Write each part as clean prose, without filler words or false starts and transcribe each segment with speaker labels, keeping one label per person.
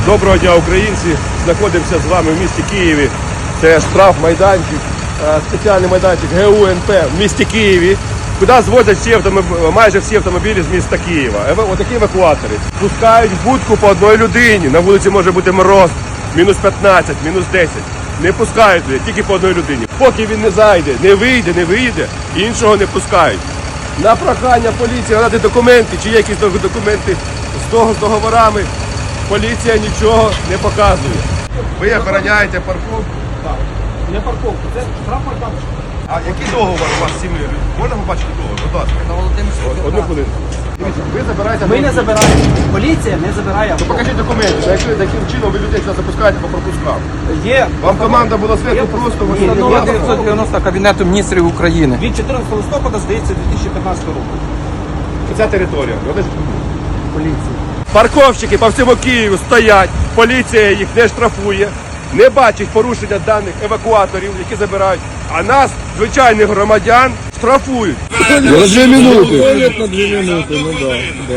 Speaker 1: Доброго дня, українці! Знаходимося з вами в місті Києві. Це штраф-майданчик, спеціальний майданчик ГУНП в місті Києві, куди звозять майже всі автомобілі з міста Києва. Отакі евакуатори. Пускають в будку по одній людині. На вулиці може бути мороз, мінус 15, мінус 10. Не пускають людей, тільки по одній людині. Поки він не зайде, не вийде, іншого не пускають. На прохання поліції надати документи, чи є якісь документи з договорами, поліція нічого не показує. Ви охороняєте парковку?
Speaker 2: Так, не парковку, це штраф-майданчик.
Speaker 1: А який договор у вас з цими людьми? Можна побачити договор? Будь ласка. Одну хвилину. Дивіться, ви забираєте...
Speaker 2: Ми не забираємо. Поліція не забирає.
Speaker 1: То покажіть документи, яким чином ви людей сюди запускаєте по пропускам.
Speaker 2: Є.
Speaker 1: Вам команда була зверху просто...
Speaker 2: Ні,
Speaker 1: ви-
Speaker 2: ну,
Speaker 3: Є 990 Кабінету міністрів України.
Speaker 2: Від 14 листопада, здається, 2015 року.
Speaker 1: Ця територія.
Speaker 2: Поліція.
Speaker 1: Парковщики по всьому Києву стоять, поліція їх не штрафує, не бачить порушення даних евакуаторів, які забирають, а нас, звичайних громадян, штрафують.
Speaker 4: На 2 минути. На 2 минути, ну да.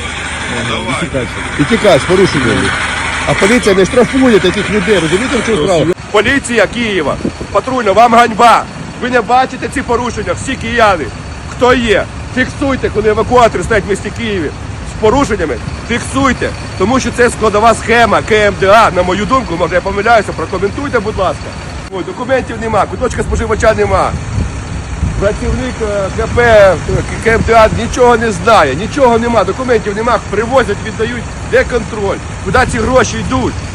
Speaker 4: І тікач, порушення.
Speaker 1: А поліція не штрафує таких людей, розумієте, в чому справа? Поліція Києва, патрульна, вам ганьба. Ви не бачите ці порушення, всі кияни. Хто є? Фіксуйте, коли евакуатори стоять в місті Києві з порушеннями, фіксуйте, тому що це складова схема КМДА, на мою думку, може я помиляюся, прокоментуйте, будь ласка. Ой, документів нема, куточка споживача нема. Працівник КП, КМДА нічого не знає, нічого нема, документів нема, привозять, віддають, де контроль, куди ці гроші йдуть.